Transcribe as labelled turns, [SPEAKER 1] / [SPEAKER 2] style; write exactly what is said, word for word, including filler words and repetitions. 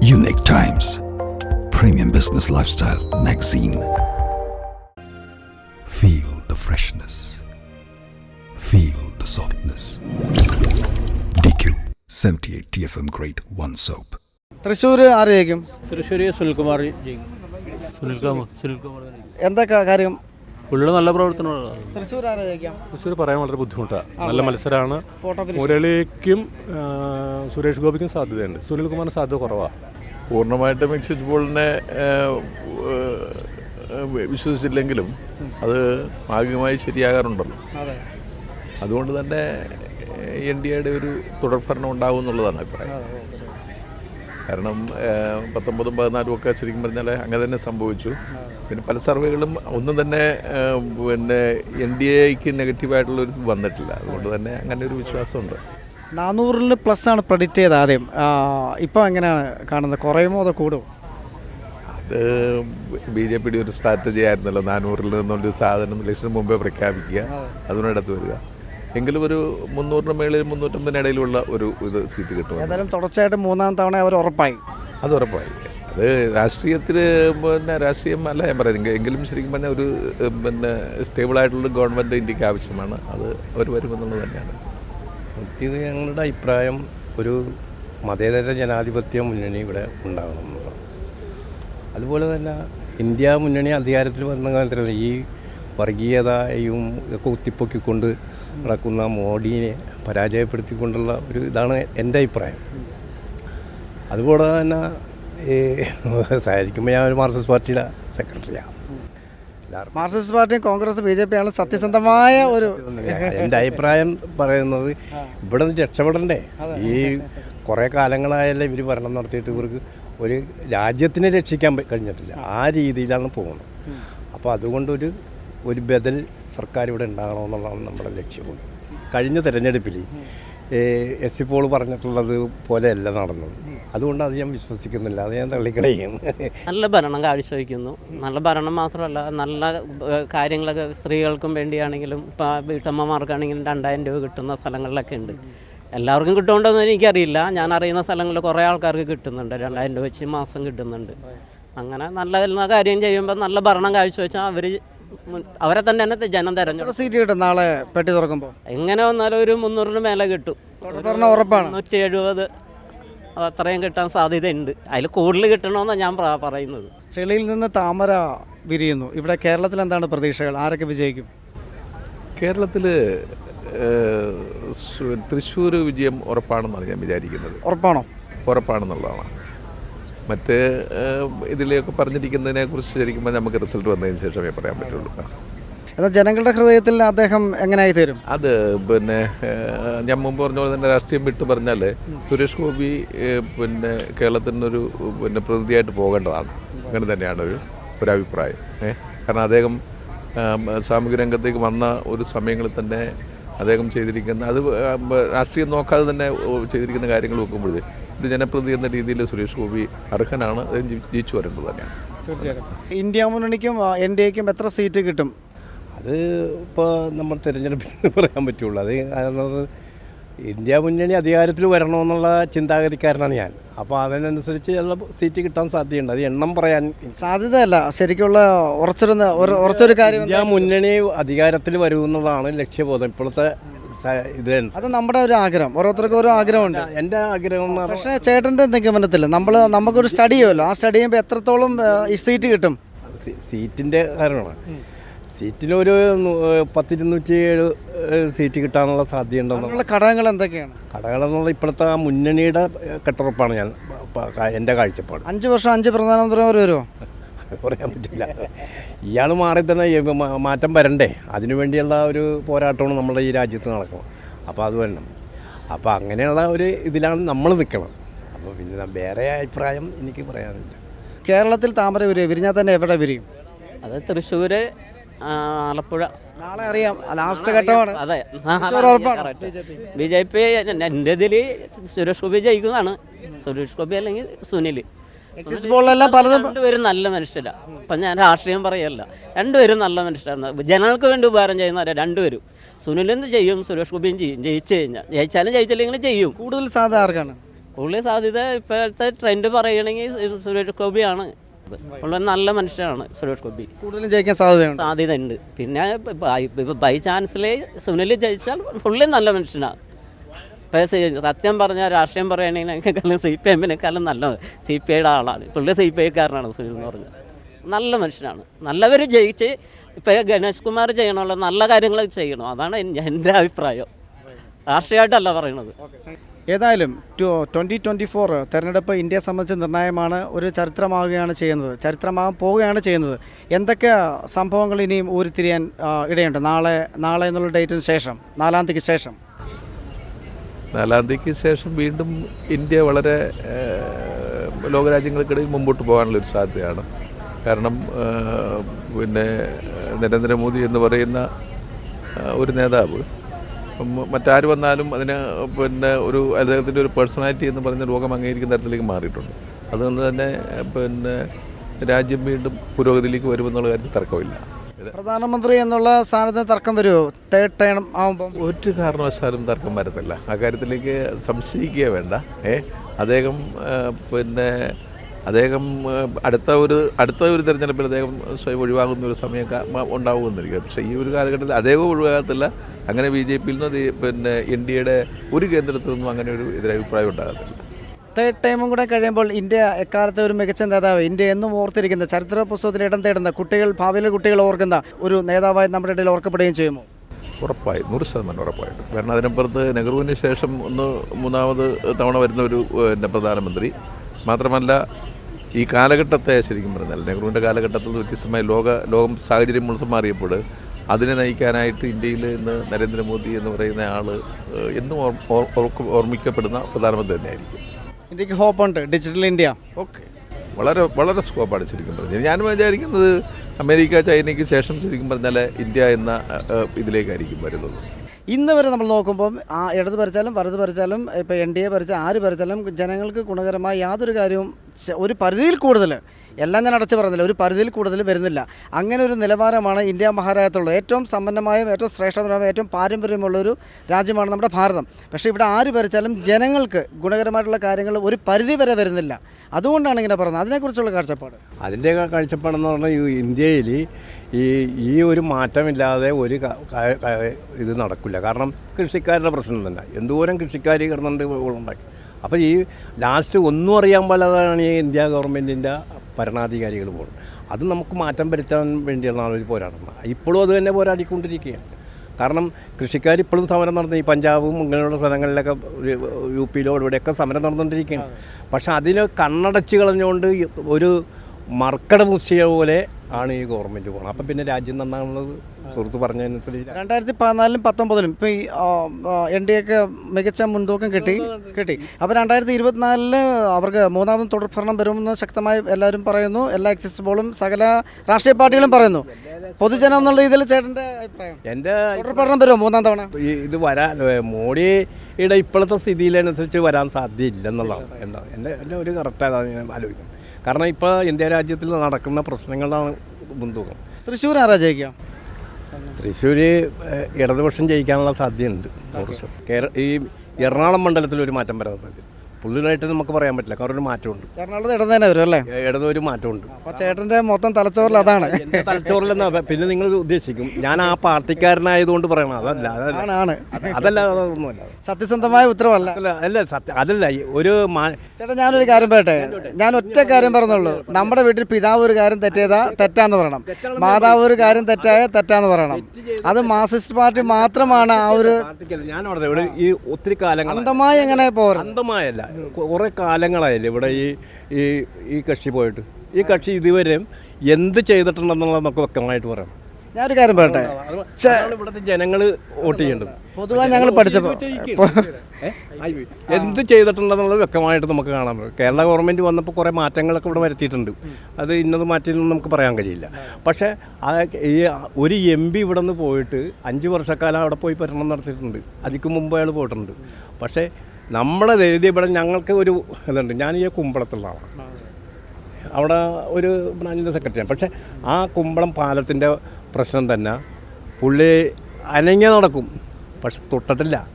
[SPEAKER 1] Unique Times, Premium Business Lifestyle Magazine. Feel the freshness. Feel the softness. D Q seventy-eight T F M Grade one Soap.
[SPEAKER 2] Thrissur ആര് ജയിക്കും?
[SPEAKER 3] തൃശ്ശൂർ സുനിൽകുമാർ ജയിക്കും. സുനിൽകുമാർ സുനിൽകുമാർ
[SPEAKER 2] എന്താ കാര്യം?
[SPEAKER 3] പുള്ളി നല്ല പ്രവർത്തനമാണ്.
[SPEAKER 2] തൃശ്ശൂർ ആരാ ജയിക്കാം?
[SPEAKER 4] തൃശ്ശൂർ പറയാൻ വളരെ ബുദ്ധിമുട്ടാണ്. നല്ല മത്സരമാണ്.
[SPEAKER 2] ഫോട്ടോ
[SPEAKER 4] മുരളിക്കും സുരേഷ് ഗോപിക്കും സാധ്യതയുണ്ട്. സുനിൽകുമാറിന് സാധ്യത കുറവാണ്.
[SPEAKER 5] പൂർണ്ണമായിട്ടും എക്സിറ്റ് പോളിനെ വിശ്വസിച്ചില്ലെങ്കിലും അത് ഭാഗികമായി ശരിയാകാറുണ്ടല്ലോ. അതുകൊണ്ട് തന്നെ എൻ ഡി എയുടെ ഒരു തുടർഭരണം ഉണ്ടാകും എന്നുള്ളതാണ് അഭിപ്രായം. കാരണം പത്തൊമ്പതും പതിനാലും ഒക്കെ ശരിക്കും പറഞ്ഞാൽ അങ്ങനെ തന്നെ സംഭവിച്ചു. പിന്നെ പല സർവേകളും ഒന്നും തന്നെ പിന്നെ എൻ ഡി എക്ക് നെഗറ്റീവായിട്ടുള്ളൊരു വന്നിട്ടില്ല. അതുകൊണ്ട് തന്നെ അങ്ങനെ ഒരു വിശ്വാസമുണ്ട്.
[SPEAKER 2] നാനൂറിൽ പ്ലസ് ആണ് പ്രഡിക്റ്റ് ചെയ്ത് ആദ്യം. ഇപ്പം എങ്ങനെയാണ് കാണുന്നത്? കുറയുമോ അതോ കൂടുമോ?
[SPEAKER 5] അത് ബി ജെ പിയുടെ ഒരു സ്ട്രാറ്റജി ആയിരുന്നല്ലോ, നാനൂറിൽ നിന്നൊരു സാധനം ഇലക്ഷന് മുമ്പേ പ്രഖ്യാപിക്കുക, അതിനോടടുത്ത് വരിക. എങ്കിലും ഒരു മുന്നൂറിന് മേളിൽ മുന്നൂറ്റമ്പതിന് ഇടയിലുള്ള ഒരു ഇത് സീറ്റ് കിട്ടും.
[SPEAKER 2] ഏതായാലും തുടർച്ചയായിട്ട് മൂന്നാം തവണ അവർ ഉറപ്പായി.
[SPEAKER 5] അത് ഉറപ്പായി. അത് രാഷ്ട്രീയത്തിൽ പിന്നെ രാഷ്ട്രീയം അല്ല ഞാൻ പറയുന്നത്, എങ്കിലും ശരിക്കും പറഞ്ഞാൽ ഒരു പിന്നെ സ്റ്റേബിളായിട്ടുള്ള ഗവൺമെൻറ് ഇന്ത്യക്ക് ആവശ്യമാണ്. അത് അവർ വരുമെന്നുള്ളത് തന്നെയാണ്.
[SPEAKER 6] ഇത് ഞങ്ങളുടെ അഭിപ്രായം, ഒരു മതേതര ജനാധിപത്യ മുന്നണി ഇവിടെ ഉണ്ടാകണം എന്നുള്ളത്. അതുപോലെ തന്നെ ഇന്ത്യ മുന്നണി അധികാരത്തിൽ വരുന്ന കാലത്തിലല്ല ഈ വർഗീയതയും ഒക്കെ കുത്തിപ്പൊക്കിക്കൊണ്ട് നടക്കുന്ന മോഡിയെ പരാജയപ്പെടുത്തിക്കൊണ്ടുള്ള ഒരു ഇതാണ് എൻ്റെ അഭിപ്രായം. അതുപോലെ തന്നെ ഈ സഹായിക്കുമ്പോൾ ഞാൻ ഒരു മാർക്സിസ്റ്റ് പാർട്ടിയുടെ സെക്രട്ടറിയാണ്.
[SPEAKER 2] മാർക്സിസ്റ്റ് പാർട്ടിയും കോൺഗ്രസ് ബി ജെ പിയാണ് സത്യസന്ധമായ ഒരു
[SPEAKER 6] എൻ്റെ അഭിപ്രായം പറയുന്നത്. ഇവിടെ നിന്ന് രക്ഷപ്പെടണ്ടേ? ഈ കുറേ കാലങ്ങളായല്ലേ ഇവർ ഭരണം നടത്തിയിട്ട് ഇവർക്ക് ഒരു രാജ്യത്തിനെ രക്ഷിക്കാൻ കഴിഞ്ഞിട്ടില്ല. ആ രീതിയിലാണ് പോകുന്നത്. അപ്പോൾ അതുകൊണ്ടൊരു ഒരു ബദൽ സർക്കാർ ഇവിടെ ഉണ്ടാകണമെന്നുള്ളതാണ് നമ്മുടെ ലക്ഷ്യം. കഴിഞ്ഞ തെരഞ്ഞെടുപ്പിൽ എസ് സി പോൾ പറഞ്ഞിട്ടുള്ളത് പോലെയല്ല നടന്നത്. അതുകൊണ്ട് അത് ഞാൻ വിശ്വസിക്കുന്നില്ല, അത് ഞാൻ തള്ളിക്കളയും.
[SPEAKER 7] നല്ല ഭരണം കാഴ്ചവെക്കുന്നു. നല്ല ഭരണം മാത്രമല്ല, നല്ല കാര്യങ്ങളൊക്കെ സ്ത്രീകൾക്കും വേണ്ടിയാണെങ്കിലും ഇപ്പോൾ വീട്ടമ്മമാർക്കാണെങ്കിലും രണ്ടായിരം രൂപ കിട്ടുന്ന സ്ഥലങ്ങളിലൊക്കെ ഉണ്ട്. എല്ലാവർക്കും കിട്ടുന്നുണ്ടോയെന്ന് എനിക്കറിയില്ല. ഞാൻ അറിയുന്ന സ്ഥലങ്ങളിൽ കുറേ ആൾക്കാർക്ക് കിട്ടുന്നുണ്ട്. രണ്ടായിരം രൂപ വെച്ച് മാസം കിട്ടുന്നുണ്ട്. അങ്ങനെ നല്ല നല്ല കാര്യം ചെയ്യുമ്പോൾ നല്ല ഭരണം കാഴ്ചവെച്ചാൽ അവർ അവരെ തന്നെ തന്നെ ജനം തെരഞ്ഞെടുക്കും.
[SPEAKER 2] സീറ്റ് കിട്ടും നാളെ പെട്ടി തുറക്കുമ്പോൾ.
[SPEAKER 7] എങ്ങനെ വന്നാലും ഒരു മുന്നൂറിന് മേലെ കിട്ടും.
[SPEAKER 2] ഉറപ്പാണ്.
[SPEAKER 7] നൂറ്റി എഴുപത് അത്രയും കിട്ടാൻ സാധ്യതയുണ്ട്. അതിൽ കൂടുതൽ കിട്ടണമെന്നാണ് ഞാൻ പറയുന്നത്.
[SPEAKER 2] ചെളിയിൽ നിന്ന് താമര വിരിയുന്നു. ഇവിടെ കേരളത്തിൽ എന്താണ് പ്രതീക്ഷകൾ? ആരൊക്കെ വിജയിക്കും?
[SPEAKER 5] കേരളത്തിൽ തൃശ്ശൂർ വിജയം ഉറപ്പാണെന്നാണ് ഞാൻ വിചാരിക്കുന്നത്.
[SPEAKER 2] ഉറപ്പാണോ?
[SPEAKER 5] ഉറപ്പാണെന്നുള്ളതാണ്. മറ്റ് ഇതിലേക്ക് പറഞ്ഞിരിക്കുന്നതിനെ കുറിച്ച് ശരിക്കും നമുക്ക് റിസൾട്ട് വന്നതിന് ശേഷമേ പറയാൻ പറ്റുള്ളൂ.
[SPEAKER 2] എന്നാൽ ജനങ്ങളുടെ ഹൃദയത്തിൽ അദ്ദേഹം എങ്ങനെയായി തരും?
[SPEAKER 5] അത് പിന്നെ ഞാൻ മുമ്പ് പറഞ്ഞ പോലെ തന്നെ രാഷ്ട്രീയം വിട്ട് പറഞ്ഞാൽ സുരേഷ് ഗോപി പിന്നെ കേരളത്തിനൊരു പിന്നെ പ്രതിനിധിയായിട്ട് പോകേണ്ടതാണ്. അങ്ങനെ തന്നെയാണ് ഒരു ഒരഭിപ്രായം. ഏഹ് കാരണം അദ്ദേഹം സാമൂഹിക രംഗത്തേക്ക് വന്ന ഒരു സമയങ്ങളിൽ തന്നെ അദ്ദേഹം ചെയ്തിരിക്കുന്ന അത് രാഷ്ട്രീയം നോക്കാതെ തന്നെ ചെയ്തിരിക്കുന്ന കാര്യങ്ങൾ നോക്കുമ്പോഴേ ഒരു ജനപ്രതി എന്ന രീതിയിൽ സുരേഷ് ഗോപി അർഹനാണ്. അദ്ദേഹം ജയിച്ചു വരേണ്ടത് തന്നെയാണ്.
[SPEAKER 2] തീർച്ചയായിട്ടും. ഇന്ത്യ മുന്നണിക്കും എൻ ഡി എക്കും എത്ര സീറ്റ് കിട്ടും?
[SPEAKER 6] അത് ഇപ്പോൾ നമ്മൾ തിരഞ്ഞെടുപ്പിൽ പറയാൻ പറ്റുള്ളൂ. അത് അതായത് ഇന്ത്യ മുന്നണി അധികാരത്തിൽ വരണമെന്നുള്ള ചിന്താഗതിക്കാരനാണ് ഞാൻ. അപ്പോൾ അതിനനുസരിച്ച് ഉള്ള സീറ്റ് കിട്ടാൻ സാധ്യതയുണ്ട്. അത് എണ്ണം പറയാൻ
[SPEAKER 2] സാധ്യതയല്ല, ശരിക്കുള്ള ഉറച്ചൊരു ഉറച്ചൊരു കാര്യം.
[SPEAKER 6] ഇന്ത്യ മുന്നണി അധികാരത്തിൽ വരുമെന്നുള്ളതാണ് ലക്ഷ്യബോധം ഇപ്പോഴത്തെ ഇത്.
[SPEAKER 2] അത് നമ്മുടെ ഒരു ആഗ്രഹം, ഓരോരുത്തർക്കും ഓരോ ആഗ്രഹമുണ്ട്.
[SPEAKER 6] എൻ്റെ ആഗ്രഹം.
[SPEAKER 2] പക്ഷേ ചേട്ടൻ്റെ നിഗമനത്തിൽ നമ്മൾ നമുക്കൊരു സ്റ്റഡി ചെയ്യുമല്ലോ, ആ സ്റ്റഡി ചെയ്യുമ്പോൾ എത്രത്തോളം ഈ സീറ്റ് കിട്ടും?
[SPEAKER 6] സീറ്റിൻ്റെ കാരണമാണ്. സീറ്റിനൊരു പത്തിരുന്നൂറ്റി ഏഴ് സീറ്റ് കിട്ടാനുള്ള സാധ്യതയുണ്ടെന്നുള്ള.
[SPEAKER 2] ഘടകങ്ങൾ എന്തൊക്കെയാണ്?
[SPEAKER 6] ഘടകങ്ങളെന്നുള്ള ഇപ്പോഴത്തെ മുന്നണിയുടെ കെട്ടുറപ്പാണ് ഞാൻ എൻ്റെ കാഴ്ചപ്പാട്.
[SPEAKER 2] അഞ്ച് വർഷം അഞ്ച് പ്രധാനമന്ത്രിമാർ വരുമോ?
[SPEAKER 6] അത് പറയാൻ പറ്റില്ല. ഇയാൾ മാറി തന്നെ മാറ്റം വരണ്ടേ? അതിനുവേണ്ടിയുള്ള ഒരു പോരാട്ടമാണ് നമ്മുടെ ഈ രാജ്യത്ത് നടക്കണം. അപ്പോൾ അത് വരണം. അപ്പോൾ അങ്ങനെയുള്ള ഒരു ഇതിലാണ് നമ്മൾ നിൽക്കണം. അപ്പോൾ പിന്നെ വേറെ അഭിപ്രായം എനിക്ക് പറയാനില്ല.
[SPEAKER 2] കേരളത്തിൽ താമര വിരിയും. വിരിഞ്ഞാൽ തന്നെ എവിടെ വിരിയും?
[SPEAKER 7] അത് തൃശ്ശൂർ, ആലപ്പുഴ.
[SPEAKER 2] നാളെ അറിയാം. ലാസ്റ്റ് ഘട്ടമാണ്.
[SPEAKER 7] അതെ, ബി ജെ പി. എൻ്റെ ഇതിൽ സുരേഷ് ഗോപി ജയിക്കുന്നതാണ്. സുരേഷ് ഗോപി അല്ലെങ്കിൽ സുനിൽ.
[SPEAKER 2] രണ്ടുപേരും
[SPEAKER 7] നല്ല മനുഷ്യരാണ്. അപ്പം ഞാൻ രാഷ്ട്രീയം പറയല്ല, രണ്ടുപേരും നല്ല മനുഷ്യരാണ്. ജനങ്ങൾക്ക് വേണ്ടി ഉപകാരം ചെയ്യുന്നവരെ രണ്ടുപേരും. സുനിലും ചെയ്യും, സുരേഷ് ഗോപിയും ചെയ്യും. ജയിച്ചു കഴിഞ്ഞാൽ ജയിച്ചാലും ജയിച്ചില്ലെങ്കിലും ചെയ്യും.
[SPEAKER 2] കൂടുതൽ സാധ്യത ആർക്കാണ്?
[SPEAKER 7] പുള്ളി സാധ്യത ഇപ്പോഴത്തെ ട്രെൻഡ് പറയുകയാണെങ്കിൽ സു- സുരേഷ് ഗോപിയാണ്. പുള്ളി നല്ല മനുഷ്യനാണ് സുരേഷ് ഗോപി.
[SPEAKER 2] കൂടുതലും ജയിക്കാൻ സാധ്യതയുണ്ട്.
[SPEAKER 7] സാധ്യതയുണ്ട്. പിന്നെ ഇപ്പോൾ ബൈ ചാൻസിൽ സുനിൽ ജയിച്ചാൽ പുള്ളി നല്ല മനുഷ്യനാണ്. ഇപ്പോൾ സത്യം പറഞ്ഞാൽ രാഷ്ട്രീയം പറയുകയാണെങ്കിലും സി പി എമ്മിനേക്കാളും നല്ലത് സി പി ഐയുടെ ആളാണ്. പുള്ളി സി പി ഐക്കാരനാണ് സുനിൽ എന്ന് പറഞ്ഞത്. നല്ല മനുഷ്യനാണ്. നല്ലവർ ജയിച്ച് ഇപ്പോൾ ഗണേഷ് കുമാർ ചെയ്യണമല്ലോ, നല്ല കാര്യങ്ങൾ ചെയ്യണം. അതാണ് എൻ്റെ അഭിപ്രായം. രാഷ്ട്രീയമായിട്ടല്ല പറയണത്.
[SPEAKER 2] ഏതായാലും ടു ട്വൻ്റി ട്വൻ്റി ഫോർ തെരഞ്ഞെടുപ്പ് ഇന്ത്യയെ സംബന്ധിച്ച് നിർണായകമാണ്. ഒരു ചരിത്രമാവുകയാണ് ചെയ്യുന്നത്, ചരിത്രമാകാൻ പോവുകയാണ് ചെയ്യുന്നത്. എന്തൊക്കെ സംഭവങ്ങൾ ഇനിയും ഊരിത്തിരിയാൻ ആ, ഇടയുണ്ട് നാളെ നാളെ എന്നുള്ള ഡേറ്റിന് ശേഷം, നാലാം തീയതിക്ക് ശേഷം?
[SPEAKER 5] നാലാം തീയതിക്ക് ശേഷം വീണ്ടും ഇന്ത്യ വളരെ ഏഹ്, ലോകരാജ്യങ്ങൾക്കിടയിൽ മുമ്പോട്ട് പോകാനുള്ളൊരു സാധ്യതയാണ്. കാരണം ഏഹ്, പിന്നെ നരേന്ദ്രമോദി എന്ന് പറയുന്ന ഏഹ്, ഒരു നേതാവ് മ- മറ്റാര് വന്നാലും അതിന് പിന്നെ ഒരു അദ്ദേഹത്തിൻ്റെ ഒരു പേഴ്സണാലിറ്റി എന്ന് പറയുന്ന ലോകം അംഗീകരിക്കുന്ന തരത്തിലേക്ക് മാറിയിട്ടുണ്ട്. അതുകൊണ്ട് തന്നെ പിന്നെ രാജ്യം വീണ്ടും പുരോഗതിയിലേക്ക് വരുമെന്നുള്ള കാര്യത്തിൽ തർക്കമില്ല.
[SPEAKER 2] പ്രധാനമന്ത്രി എന്നുള്ള സ്ഥാനത്തിന് തർക്കം വരുമോ തേർഡ് ടൈം ആകുമ്പം?
[SPEAKER 5] ഒരു കാരണവശാലും തർക്കം വരത്തില്ല. ആ കാര്യത്തിലേക്ക് സംശയിക്കുക വേണ്ട. ഏ അദ്ദേഹം ആ, പിന്നെ അദ്ദേഹം ആ, അടുത്ത ഒരു അടുത്ത ഒരു തിരഞ്ഞെടുപ്പിൽ അദ്ദേഹം സ്വയം ഒഴിവാകുന്ന ഒരു സമയം ക- മ- ഉണ്ടാകുമെന്നിരിക്കും. പക്ഷേ ഈ ഒരു കാലഘട്ടത്തിൽ അദ്ദേഹം ഒഴിവാകത്തില്ല. അങ്ങനെ ബി ജെ പിയിൽ നിന്ന് പിന്നെ എൻ ഡി എയുടെ ഒരു കേന്ദ്രത്തിൽ നിന്നും അങ്ങനെ ഒരു എതിരഭിപ്രായം ഉണ്ടാകത്തില്ല.
[SPEAKER 2] തേർഡ് ടൈമും കൂടെ കഴിയുമ്പോൾ ഇന്ത്യ എക്കാലത്തെ ഒരു മികച്ച നേതാവ്, ഇന്ത്യ എന്നും ഓർത്തിരിക്കുന്ന, ചരിത്ര പുസ്തകത്തിൽ ഇടം തേടുന്ന, കുട്ടികൾ ഭാവിയിലെ കുട്ടികൾ ഓർക്കുന്ന ഒരു നേതാവായി നമ്മുടെ ഇടയിൽ ഓർക്കപ്പെടുകയും ചെയ്യുമോ?
[SPEAKER 5] ഉറപ്പായി, നൂറ് ശതമാനം ഉറപ്പായിട്ടും. കാരണം അതിനപ്പുറത്ത് നെഹ്റുവിന് ശേഷം ഒന്ന് മൂന്നാമത് തവണ വരുന്ന ഒരു പിന്നെ പ്രധാനമന്ത്രി മാത്രമല്ല, ഈ കാലഘട്ടത്തെ ശരിക്കും പറഞ്ഞാൽ നെഹ്റുവിൻ്റെ കാലഘട്ടത്തിൽ വ്യത്യസ്തമായ ലോക ലോകം സാഹചര്യം മുഴുവൻ മാറിയപ്പോൾ അതിനെ നയിക്കാനായിട്ട് ഇന്ത്യയിൽ ഇന്ന് നരേന്ദ്രമോദി എന്ന് പറയുന്ന ആൾ എന്നും ഓർ- ഓർ- ഓർക്ക് ഓർമ്മിക്കപ്പെടുന്ന പ്രധാനമന്ത്രി തന്നെയായിരിക്കും.
[SPEAKER 2] ഇന്ത്യക്ക് ഹോപ്പുണ്ട്, ഡിജിറ്റൽ ഇന്ത്യ.
[SPEAKER 5] ഓക്കെ, വളരെ വളരെ സ്കോപ്പാണ് ശരിക്കും പറഞ്ഞത്. ഞാൻ വിചാരിക്കുന്നത് അമേരിക്ക ചൈനയ്ക്ക് ശേഷം ശരിക്കും പറഞ്ഞാൽ ഇന്ത്യ എന്ന ഏഹ്, ഇതിലേക്കായിരിക്കും വരുന്നത്.
[SPEAKER 2] ഇന്ന് വരെ നമ്മൾ നോക്കുമ്പോൾ ആ ഇടത് ഭരിച്ചാലും വലത് ഭരിച്ചാലും ഇപ്പോൾ എൻ ഡി എ ഭരിച്ചാൽ ആര് ഭരിച്ചാലും ജനങ്ങൾക്ക് ഗുണകരമായ യാതൊരു കാര്യവും ച- ഒരു പരിധിയിൽ കൂടുതൽ, എല്ലാം ഞാൻ അടച്ചു പറഞ്ഞില്ല, ഒരു പരിധിയിൽ കൂടുതൽ വരുന്നില്ല. അങ്ങനെ ഒരു നിലവാരമാണ് ഇന്ത്യ മഹാരാജ്യത്തുള്ളത്. ഏറ്റവും സമ്പന്നമായും ഏറ്റവും ശ്രേഷ്ഠപരമായ ഏറ്റവും പാരമ്പര്യമുള്ളൊരു രാജ്യമാണ് നമ്മുടെ ഭാരതം. പക്ഷേ ഇവിടെ ആര് ഭരിച്ചാലും ജനങ്ങൾക്ക് ഗുണകരമായിട്ടുള്ള കാര്യങ്ങൾ ഒരു പരിധി വരെ വരുന്നില്ല. അതുകൊണ്ടാണ് ഇങ്ങനെ പറഞ്ഞത്. അതിനെക്കുറിച്ചുള്ള കാഴ്ചപ്പാട്.
[SPEAKER 6] അതിൻ്റെ കാഴ്ചപ്പാടെന്ന് പറഞ്ഞാൽ ഈ ഇന്ത്യയിൽ ഈ ഈ ഒരു മാറ്റമില്ലാതെ ഒരു ക- ക- ക- ഇത് നടക്കില്ല. കാരണം കൃഷിക്കാരുടെ പ്രശ്നം തന്നെ, എന്തോരം കൃഷിക്കാർ കിടന്നുണ്ട് ഉണ്ടാക്കി. അപ്പോൾ ഈ ലാസ്റ്റ് ഒന്നും അറിയാൻ പാടില്ലാതാണ് ഈ ഇന്ത്യ ഗവൺമെൻറ്റിൻ്റെ ഭരണാധികാരികൾ പോകുന്നത്. അത് നമുക്ക് മാറ്റം വരുത്താൻ വേണ്ടിയാണ് അവർ പോരാടുന്നത്. ഇപ്പോഴും അത് തന്നെ പോരാടിക്കൊണ്ടിരിക്കുകയാണ്. കാരണം കൃഷിക്കാർ ഇപ്പോഴും സമരം നടന്നു, ഈ പഞ്ചാബും ഇങ്ങനെയുള്ള സ്ഥലങ്ങളിലൊക്കെ യു പിയിലോ ഇവിടെയൊക്കെ സമരം നടന്നുകൊണ്ടിരിക്കുകയാണ്. പക്ഷെ അതിന് കണ്ണടച്ച് കളഞ്ഞുകൊണ്ട് ഒരു മർക്കട മുസിയ പോലെ ആണ് ഈ ഗവൺമെൻറ് പോകുന്നത്. അപ്പം പിന്നെ രാജ്യം നന്നാകുന്നത് സുഹൃത്ത് പറഞ്ഞതനുസരിച്ച്
[SPEAKER 2] രണ്ടായിരത്തി പതിനാലിലും പത്തൊമ്പതിലും ഇപ്പോൾ ഈ എൻ ഡി എക്ക് മികച്ച മുൻതൂക്കം കിട്ടി കിട്ടി അപ്പോൾ രണ്ടായിരത്തി ഇരുപത്തിനാലില് അവർക്ക് മൂന്നാമതും തുടർഭരണം വരുമെന്ന് ശക്തമായി എല്ലാവരും പറയുന്നു. എല്ലാ എക്സിസ്റ്റ് പോളും സകല രാഷ്ട്രീയ പാർട്ടികളും പറയുന്നു. പൊതുജനം എന്നുള്ള ഇതിൽ ചേട്ടൻ്റെ അഭിപ്രായം?
[SPEAKER 6] എൻ്റെ
[SPEAKER 2] തുടർഭരണം വരുമോ മൂന്നാം തവണ?
[SPEAKER 6] ഈ ഇത് വരാൻ മോഡിയുടെ ഇപ്പോഴത്തെ സ്ഥിതിയിലനുസരിച്ച് വരാൻ സാധ്യതയില്ലെന്നുള്ളതാണ് എന്താ എൻ്റെ എൻ്റെ ഒരു കറക്റ്റായതാണ് ഞാൻ ആലോചിക്കുന്നത്. കാരണം ഇപ്പോൾ ഇന്ത്യ രാജ്യത്തിൽ നടക്കുന്ന പ്രശ്നങ്ങളാണ് മുൻതൂക്കം.
[SPEAKER 2] തൃശ്ശൂർ ആരാ ജയിക്കുക?
[SPEAKER 6] തൃശ്ശൂർ ഇടതുപക്ഷം ജയിക്കാനുള്ള സാധ്യതയുണ്ട് നൂറ് ശതമാനം. കേര ഈ എറണാകുളം മണ്ഡലത്തിൽ ഒരു മാറ്റം വരാൻ സാധ്യത പുള്ളിയായിട്ട് നമുക്ക് പറയാൻ പറ്റില്ല. കാരണം ഒരു മാറ്റമുണ്ട്,
[SPEAKER 2] എറണാകുളത്ത് ഇടം തന്നെ വരും അല്ലേ?
[SPEAKER 6] ഇടത് ഒരു മാറ്റമുണ്ട്.
[SPEAKER 2] അപ്പോൾ ചേട്ടൻ്റെ മൊത്തം തലച്ചോറിൽ അതാണ്.
[SPEAKER 6] എൻ്റെ തലച്ചോറിലെന്നാ പിന്നെ നിങ്ങൾ ഉദ്ദേശിക്കും ഞാൻ ആ പാർട്ടിക്കാരനായതുകൊണ്ട് പറയണം. അതല്ല അതല്ല
[SPEAKER 2] ആണ് ആണ്
[SPEAKER 6] അതല്ല അതൊന്നുമല്ല,
[SPEAKER 2] സത്യസന്ധമായ ഉത്തരവല്ല.
[SPEAKER 6] അല്ല അല്ല സത്യം അതല്ല. ഈ ഒരു മാ
[SPEAKER 2] ചേട്ടാ ഞാനൊരു കാര്യം പറയട്ടെ, ഞാൻ ഒറ്റ കാര്യം പറഞ്ഞുള്ളൂ. നമ്മുടെ വീട്ടിൽ പിതാവ് ഒരു കാര്യം തെറ്റിയതാ തെറ്റാന്ന് പറയണം, മാതാവ് ഒരു കാര്യം തെറ്റായ തെറ്റാന്ന് പറയണം. അത് മാർക്സിസ്റ്റ് പാർട്ടി മാത്രമാണ് ആ ഒരു
[SPEAKER 6] പാർട്ടിക്കല്ല ഞാൻ പറഞ്ഞത്. ഇവിടെ ഈ ഒത്തിരി കാലങ്ങൾ
[SPEAKER 2] അന്തമായി എങ്ങനെ പോരും?
[SPEAKER 6] അന്തമായല്ല, കുറേ കാലങ്ങളായില്ലേ ഇവിടെ ഈ ഈ ഈ കക്ഷി പോയിട്ട്. ഈ കക്ഷി ഇതുവരെ എന്ത് ചെയ്തിട്ടുണ്ടെന്നുള്ളത് നമുക്ക് വ്യക്തമായിട്ട് പറയാം.
[SPEAKER 2] ഞാനൊരു കാര്യം പറയട്ടെ,
[SPEAKER 6] അതാണ് ഇവിടുത്തെ ജനങ്ങൾ വോട്ട് ചെയ്യേണ്ടത്.
[SPEAKER 2] പൊതുവായി ഞങ്ങൾ പഠിച്ചപ്പോൾ
[SPEAKER 6] എന്ത് ചെയ്തിട്ടുണ്ടെന്നുള്ളത് വ്യക്തമായിട്ട് നമുക്ക് കാണാൻ പറ്റും. കേരള ഗവൺമെൻറ് വന്നപ്പോൾ കുറേ മാറ്റങ്ങളൊക്കെ ഇവിടെ വരുത്തിയിട്ടുണ്ട്. അത് ഇന്നത് മാറ്റിയെന്ന് നമുക്ക് പറയാൻ കഴിയില്ല. പക്ഷേ ആ ഈ ഒരു എം പി ഇവിടെ നിന്ന് പോയിട്ട് അഞ്ച് വർഷക്കാലം അവിടെ പോയി ഭരണം നടത്തിയിട്ടുണ്ട്. അതിക്ക് മുമ്പ് അയാൾ പോയിട്ടുണ്ട്. പക്ഷേ നമ്മുടെ രീതി ഇവിടെ ഞങ്ങൾക്ക് ഒരു ഇതുണ്ട്. ഞാൻ ഈ കുമ്പളത്തുള്ള ആളാണ്, അവിടെ ഒരു ബ്രാഞ്ചിൻ്റെ സെക്രട്ടറിയാണ്. പക്ഷേ ആ കുമ്പളം പാലത്തിൻ്റെ പ്രശ്നം തന്നെ പുള്ളി അനങ്ങിയ നടക്കും, പക്ഷെ തൊട്ടിട്ടില്ല.